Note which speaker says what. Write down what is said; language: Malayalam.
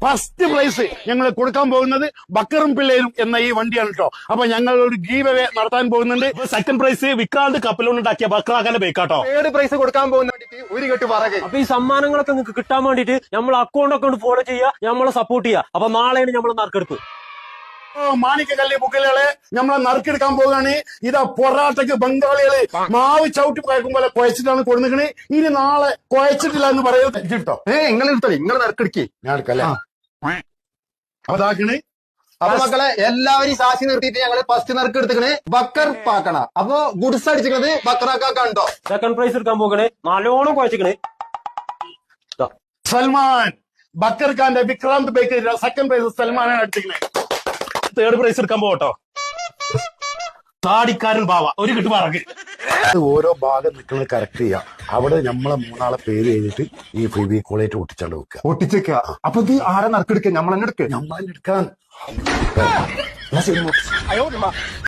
Speaker 1: ഫസ്റ്റ് പ്രൈസ് ഞങ്ങൾ കൊടുക്കാൻ പോകുന്നത് ബക്കറും പിള്ളേരും എന്ന ഈ വണ്ടിയാണ് കേട്ടോ. അപ്പൊ ഞങ്ങൾ ഒരു ഗീവ് അവേ നടത്താൻ പോകുന്നുണ്ട്.
Speaker 2: സെക്കൻഡ് പ്രൈസ് വിക്രാന്ത് കപ്പലുണ്ടാക്കിയ ബക്കറാക്കാന്റെ ബൈക്കാട്ടോ.
Speaker 3: തേർഡ് പ്രൈസ് കൊടുക്കാൻ പോകുന്ന ഒരു കെട്ട് പറകെ.
Speaker 4: അപ്പൊ ഈ സമ്മാനങ്ങളൊക്കെ നിങ്ങൾക്ക് കിട്ടാൻ വേണ്ടിട്ട് നമ്മൾ അക്കൗണ്ട് ഫോളോ ചെയ്യുക, നമ്മളെ സപ്പോർട്ട് ചെയ്യുക. അപ്പൊ നാളെയാണ് നമ്മൾ നറുക്കെടുപ്പ്.
Speaker 1: മാണിക്കക്കല്ല് ബുക്കിലുകളെ നമ്മളെ നറുക്കെടുക്കാൻ പോവുകയാണ്. ഇതാ പൊറാട്ടക്ക് ബംഗാളികള് മാവ് ചവിട്ടി കുഴക്കും പോലെ കുഴച്ചിട്ടാണ് കൊടുക്കണേ. ഇനി നാളെ കുഴച്ചിട്ടില്ല എന്ന് പറയുന്നത് കേട്ടോ.
Speaker 3: നിങ്ങൾ എടുത്തോളി, നിങ്ങൾ നറുക്കെടുക്കി.
Speaker 1: ഞാൻ എടുക്കല്ലേ. അപ്പൊ ഇതാക്കണേ.
Speaker 3: അപ്പൊ മക്കളെ എല്ലാവരും സാക്ഷി നിർത്തിയിട്ട് ഞങ്ങള് ഫസ്റ്റ് നറുക്ക് എടുത്തിക്കണേ ബക്കർ പാക്കണ. അപ്പൊ ഗുഡ്സ് അടിച്ചിക്കണത് ബക്കറാക്കാണ്ടോ.
Speaker 4: സെക്കൻഡ് പ്രൈസ് എടുക്കാൻ പോകണേ, നല്ലോണം കുഴച്ചിക്കണേ.
Speaker 1: സൽമാൻ ബക്കർ ഖാന്റെ വിക്രാന്ത് ബൈക്ക് സെക്കൻഡ് പ്രൈസ് സൽമാനാണ് അടിച്ചിരിക്കുന്നത്.
Speaker 2: തേർഡ് പ്രൈസ് എടുക്കാൻ പോകട്ടോ. താടിക്കാരൻ ബാവ ഒരു കിട്ട് പറക്ക്.
Speaker 1: ഓരോ ഭാഗം നിൽക്കുന്നത് കറക്റ്റ് ചെയ്യാം. അവിടെ നമ്മളെ മൂന്നാളെ പേര് എഴുതിയിട്ട് ഈ ഫെവിക്കോളായിട്ട് ഒട്ടിച്ചാണ്ട് വെക്കുക.
Speaker 3: ഒട്ടിച്ചേക്ക. അപ്പൊ ഇത് ആരാ നറുക്കെടുക്കുക? നമ്മൾ തന്നെ എടുക്കുക.
Speaker 1: നമ്മളെടുക്കാൻ